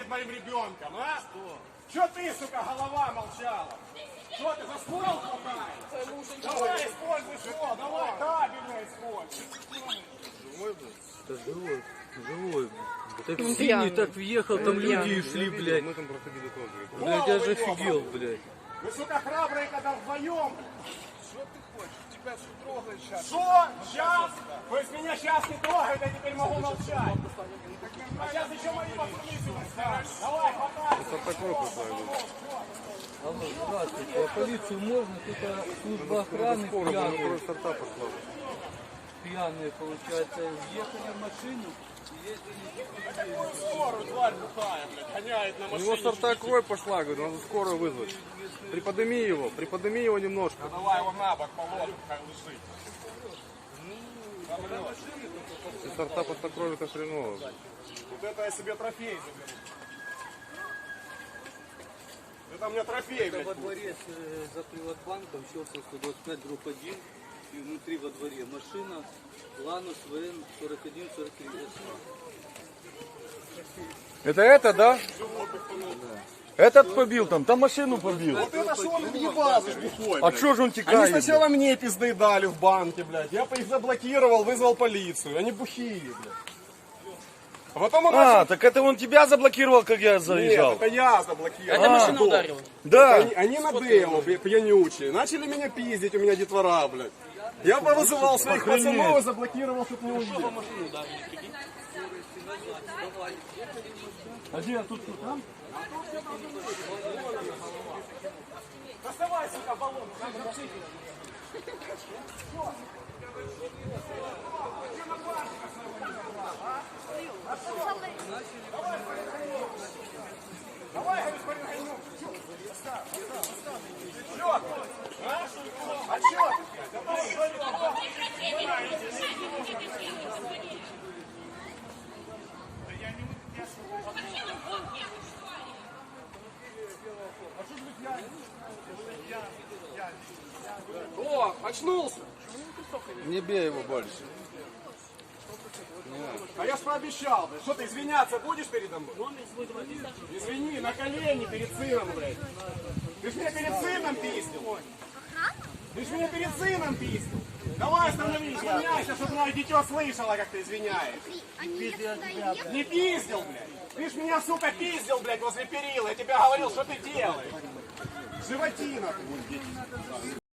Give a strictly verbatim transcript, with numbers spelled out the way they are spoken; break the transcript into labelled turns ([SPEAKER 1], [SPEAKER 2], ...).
[SPEAKER 1] перед моим ребенком, а? Что? Что ты, сука, голова молчала? Что ты за ствол хватаешь? Давай, используй ствол, давай, кабельно используй.
[SPEAKER 2] Живой, блядь? Да живой, живой. Так
[SPEAKER 3] Он
[SPEAKER 2] синий
[SPEAKER 3] пьяный.
[SPEAKER 2] так въехал, там
[SPEAKER 3] Он
[SPEAKER 2] люди
[SPEAKER 3] пьяный.
[SPEAKER 2] шли, блядь.
[SPEAKER 4] Мы там проходили тоже.
[SPEAKER 2] Блядь, я же офигел, блядь.
[SPEAKER 1] Вы, сука, храбрые, когда вдвоем.
[SPEAKER 4] Что ты хочешь? Тебя что трогает сейчас?
[SPEAKER 1] Что? Сейчас? То есть меня сейчас не трогают, я теперь могу молчать. А сейчас еще мои пацаны сюда станут. Давай, хватай.
[SPEAKER 4] Это такой пацан.
[SPEAKER 2] Алло, здравствуйте, а полицию можно? Тут а, служба охраны
[SPEAKER 4] Скоро,
[SPEAKER 2] пьяные,
[SPEAKER 4] скоро старта пошла.
[SPEAKER 2] пьяные, получается, въехали в машину и ездили.
[SPEAKER 1] Скорую, тварь бухая, блядь, гоняет на
[SPEAKER 4] У
[SPEAKER 1] машине.
[SPEAKER 4] него старта кровь пошла, говорит, надо скорую вызвать. Приподними его, приподними его немножко.
[SPEAKER 1] Ну, давай его на бок положим, хай лежит.
[SPEAKER 4] Если старта после крови, это хреново.
[SPEAKER 1] Вот это я себе трофей заберу. Это мне трофей,
[SPEAKER 2] Это
[SPEAKER 1] блядь.
[SPEAKER 2] во дворе э, за Приватбанком, Щелковская, сто двадцать пять, дробь один, и внутри во дворе машина Ланус ВН сорок один сорок три.
[SPEAKER 5] Это это, да? Этот побил там, там машину побил.
[SPEAKER 1] Вот это что он въебался, бухой,
[SPEAKER 5] А
[SPEAKER 1] блядь.
[SPEAKER 5] чё же он
[SPEAKER 1] Они
[SPEAKER 5] текает?
[SPEAKER 1] сначала мне пизды дали в банке, блядь. Я их заблокировал, вызвал полицию. Они бухие, блядь. А потом он
[SPEAKER 5] А,
[SPEAKER 1] начал...
[SPEAKER 5] так это он тебя заблокировал, как я
[SPEAKER 1] Нет,
[SPEAKER 5] заезжал?
[SPEAKER 1] это я заблокировал.
[SPEAKER 3] Это
[SPEAKER 1] А,
[SPEAKER 3] машина
[SPEAKER 1] да.
[SPEAKER 3] ударила.
[SPEAKER 5] Да.
[SPEAKER 1] Они, они на демо, пья- пьянючие. Начали меня пиздить, у меня детвора, блядь. Я повызывал своих
[SPEAKER 5] Охренеть.
[SPEAKER 1] пацанов и заблокировал, чтобы не уехал.
[SPEAKER 5] А где тут, тут, там?
[SPEAKER 1] Доставай, сука, баллон, там запшики. Давай, господин Гайнук. Чё? А? А чё? О, очнулся.
[SPEAKER 4] Не бей его больше.
[SPEAKER 1] А я ж пообещал, блядь. Что ты извиняться будешь передо мной? Извини, на колени перед сыном, блядь. Ты ж меня перед сыном пиздил. Ты ж меня перед сыном пиздил. Давай остановись, извиняйся, чтобы мое дитё слышало, как ты извиняешь.
[SPEAKER 6] Они сюда ехали.
[SPEAKER 1] Не пиздил, блядь. Ты ж меня, сука, пиздил, блядь, возле перила. Я тебе говорил, что ты делаешь. Животина ты.